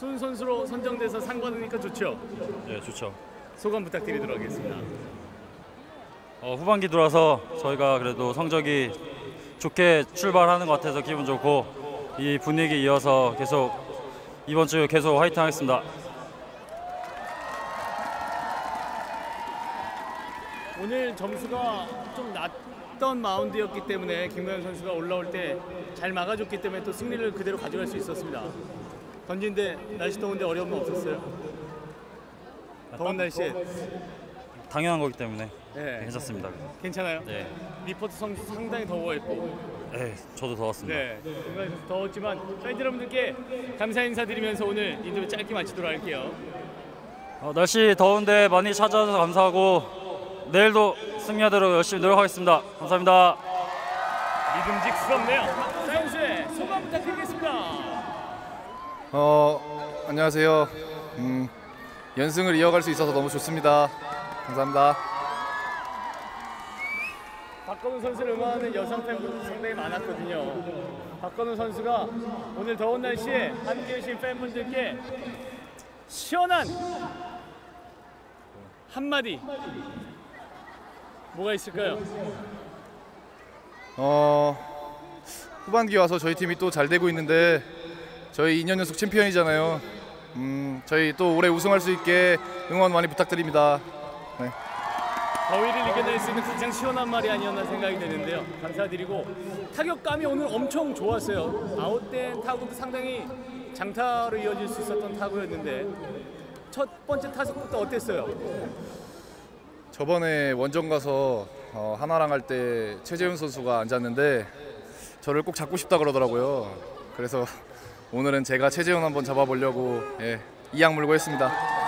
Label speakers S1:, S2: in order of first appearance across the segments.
S1: 손 선수로 선정돼서 상 받으니까 좋죠?
S2: 네, 좋죠.
S1: 소감 부탁드리도록 하겠습니다.
S2: 후반기 들어와서 저희가 그래도 성적이 좋게 출발하는 것 같아서 기분 좋고 이 분위기 이어서 계속 이번 주 계속 화이팅 하겠습니다.
S1: 오늘 점수가 좀 낮던 마운드였기 때문에 김광현 선수가 올라올 때 잘 막아줬기 때문에 또 승리를 그대로 가져갈 수 있었습니다. 던진데 날씨 더운데 어려움은 없었어요? 더운 날씨에
S2: 당연한 거기 때문에
S1: 네.
S2: 괜찮습니다.
S1: 괜찮아요?
S2: 네.
S1: 리포트 선수 상당히 더워했고
S2: 네, 저도 더웠습니다.
S1: 네, 김광현 선수 더웠지만 팬 여러분들께 감사 인사드리면서 오늘 인터뷰 짧게 마치도록 할게요.
S2: 날씨 더운데 많이 찾아와서 감사하고 내일도 승리하도록 열심히 노력하겠습니다. 감사합니다.
S1: 믿음직스럽네요. 선수의 소감 부탁드리겠습니다.
S3: 안녕하세요. 연승을 이어갈 수 있어서 너무 좋습니다. 감사합니다.
S1: 박건우 선수를 응원하는 여성 팬분들도 상당히 많았거든요. 박건우 선수가 오늘 더운 날씨에 함께해 주신 팬분들께 시원한 한마디 뭐가 있을까요?
S3: 후반기 와서 저희 팀이 또 잘 되고 있는데 저희 2년 연속 챔피언이잖아요. 저희 또 올해 우승할 수 있게 응원 많이 부탁드립니다. 네.
S1: 더위를 이겨낼 수 있는 가장 시원한 말이 아니었나 생각이 되는데요. 감사드리고 타격감이 오늘 엄청 좋았어요. 아웃된 타구도 상당히 장타로 이어질 수 있었던 타구였는데 첫 번째 타석부터 어땠어요?
S3: 저번에 원정 가서 하나랑 할 때 최재훈 선수가 앉았는데 저를 꼭 잡고 싶다 그러더라고요. 그래서 오늘은 제가 최재훈 한번 잡아보려고 이악 물고 했습니다.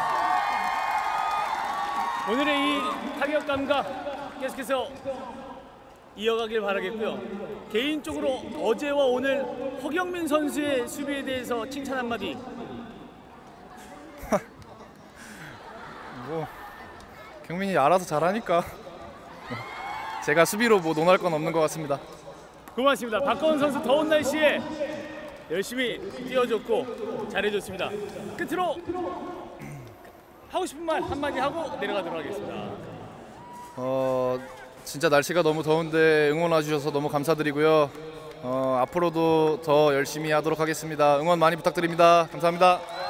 S1: 오늘의 이 타격감과 계속해서 이어가길 바라겠고요. 개인적으로 어제와 오늘 허경민 선수의 수비에 대해서 칭찬 한마디.
S3: 뭐 경민이 알아서 잘하니까 제가 수비로 뭐 논할 건 없는 것 같습니다.
S1: 고맙습니다. 박건우 선수 더운 날씨에 열심히 뛰어줬고 잘해줬습니다. 끝으로 하고 싶은 말 한마디 하고 내려가도록 하겠습니다.
S3: 진짜 날씨가 너무 더운데 응원해 주셔서 너무 감사드리고요. 앞으로도 더 열심히 하도록 하겠습니다. 응원 많이 부탁드립니다. 감사합니다.